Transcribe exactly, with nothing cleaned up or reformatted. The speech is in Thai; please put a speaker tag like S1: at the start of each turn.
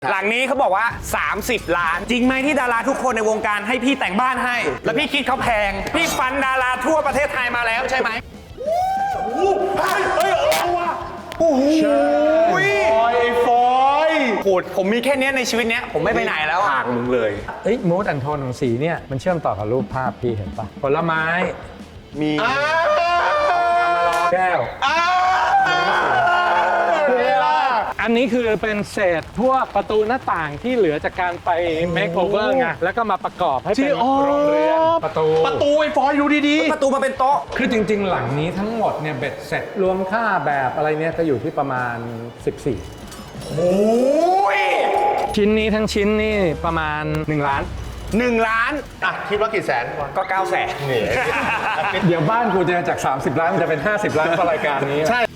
S1: หลังนี้เขาบอกว่าสามสิบล้านจริงไหมที่ดาราทุกคนในวงการให้พี่แต่งบ้านให้ แล้วพี่คิดเขาแพงพี่ฟันดาราทั่วประเทศไทยมาแล้วใช่ไหมเฮ้ยเอาว่ะโอ้โหฟอยฟอยโหผมมีแค่นี้ในชีวิตเนี้ยผมไม่ไปไหนแล้วห่างมึงเลย
S2: เอ้ยมูดแอนโทนของสีเนี่ยมันเชื่อมต่อกับรูปภาพพี่เห็นปะผลไม้มีแก้วอันนี้คือเป็นเศษพวกประตูหน้าต่างที่เหลือจากการไป make over ไงแล้วก็มาประกอบให้เป็นโรงเรือนประตู
S1: ประตูไอ้ฟอยดูดีๆประตูมาเป็นโต๊ะ
S2: คือจริงๆหลังนี้ทั้งหมดเนี่ยเบ็ดเสร็จรวมค่าแบบอะไรเนี่ยก็อยู่ที่ประมาณสิบสี่
S1: โอ้ย
S2: ชิ้นนี้ทั้งชิ้นนี่ประมาณหนึ่งล้าน
S1: หนึ่งล้าน
S3: อ่ะคิดว่ากี่แสน
S1: ก็เก้าแสน
S2: เดี๋ยวบ้านกูจะจากสามสิบล้านมันจะเป็นห้าสิบล้านเพราะรายการนี้
S3: ใช่